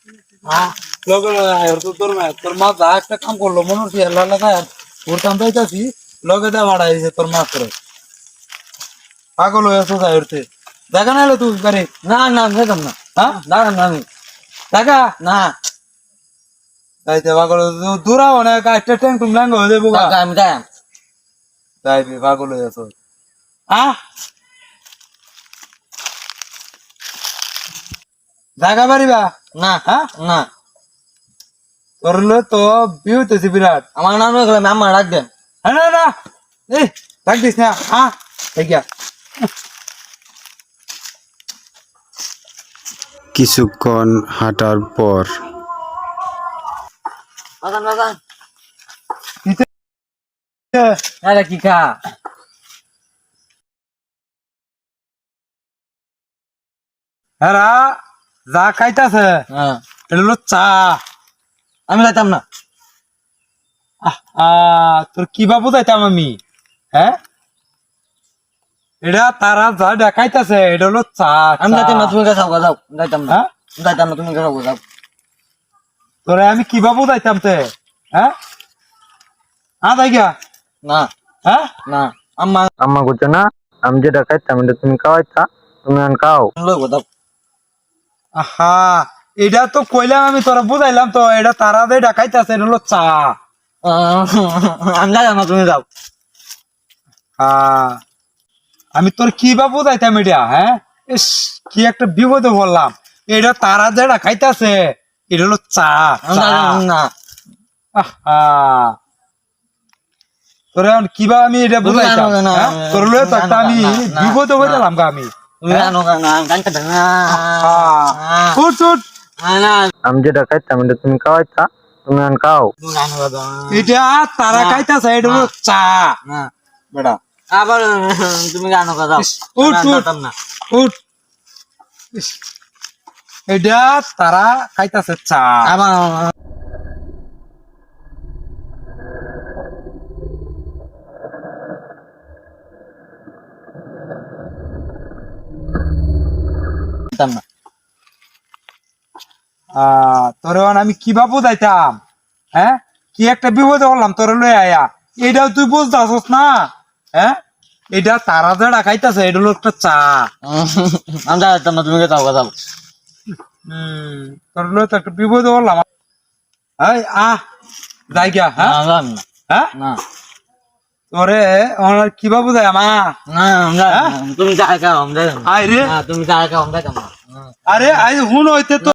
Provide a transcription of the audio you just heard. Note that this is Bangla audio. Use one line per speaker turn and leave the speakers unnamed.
লগে তোর মা যা একটা কাম করলো মনে হচ্ছে ওর কাম পাইতাছি লগে দা ভাড়া দিয়েছে তোর মা করে পাগল হয়ে আসো যাই উঠতে দেখা না এলো তুই গাড়ি
না না দেখলাম না
হ্যাঁ
দাঁড়ান না আমি
দেখা
না
যাইতে পাগল দূরা অনেক একটা ট্যাঙ্ক টুম ল্যাঙ্গ হয়ে যাবো
কাকা, আমি যাই
যাইবি পাগল হয়ে আসো জায়গা পারিবা
না
হ্যাঁ
না
করলে তো বিয়ে হইতেছি বিরাট
আমার নাম গেলাম আমার ডাক দেন
হ্যাঁ না না এই রাখ দিস না ঠিক আছে
কিছুক্ষণ হাঁটার পর
বাগান বাগান আরে কি খা
হ্যাঁ যা খাইতাছে
হ্যাঁ
এটা হলো চা
আমি যাইতাম না
তোর কি বা বুঝাইতাম আমি হ্যাঁ এটা তারা যা দেখাইতাছে এটা হলো চা
আমি যাইতাম না তুমি যাও যাও যাইতাম না
হ্যাঁ
যাইতাম না তুমি যাও যাও
তোরে আমি কি বা বুঝাইতাম তে হ্যাঁ তাই গিয়া
না
হ্যাঁ
না আম্মা
আম্মা করছে না আমি যেটা খাইতাম এটা তুমি খাওয়াইতা তুমি আন খাও
লইব দাও
আহা এটা তো কইলাম আমি তোরা বুঝাইলাম তো এটা তারা যে দেখাইতাছে এটা হলো চা
আমি যাইতাম না তুমি যাও
আমি তোর কি বা বুঝাইতাম এটা হ্যাঁ ইস কি একটা বিপদে বললাম এটা তারা যেটা খাইতাছে এটা হলো চা
আমি যাইতাম না
আহা তোরে কিবা আমি এটা বুঝাইতাম
না, না,
হ্যাঁ?
না,
তোর লয়ে তো
না,
একটা আমি
না, না,
বিপদে হয়ে গেলাম গা আমি
তুমি জানো না গানটা দেন না
উঠ উঠ
না
আমি যেটা খাইতাম এটা তুমি খাওয়াইতা তুমি আন খাও
তুমি জানো না
এটা তারা খাইতাছে এটা হলো চা
না
বেটা
আবার তুমি জানো না যাও
উঠ
আমি
উঠ
যাইতাম না
উঠ ইস, এটা তারা খাইতাছে চা
আবার যাইতাম না
তোর আমি কিবা বুঝাইতাম হ্যাঁ কি একটা বিপদে হলাম তোর লয়ে আয়া এটাও তুই বুঝতেছস না হ্যাঁ এটা তারা যেটা খাইতাছে এটা হলো একটা চা
আমি যাইতাম না তুমি যাও যাও
তোর লয়ে তো একটা বিপদে হলাম এই যাই গিয়া হ্যাঁ
না যাম না
হ্যাঁ
না
তোরে আমার কিবা বুঝাই আমা
না তুমি যাই খাও আমি যাইতাম
আয় রে
না তুমি যাই খাও আমি যাইতাম না
আরে আই হুন হইতে তো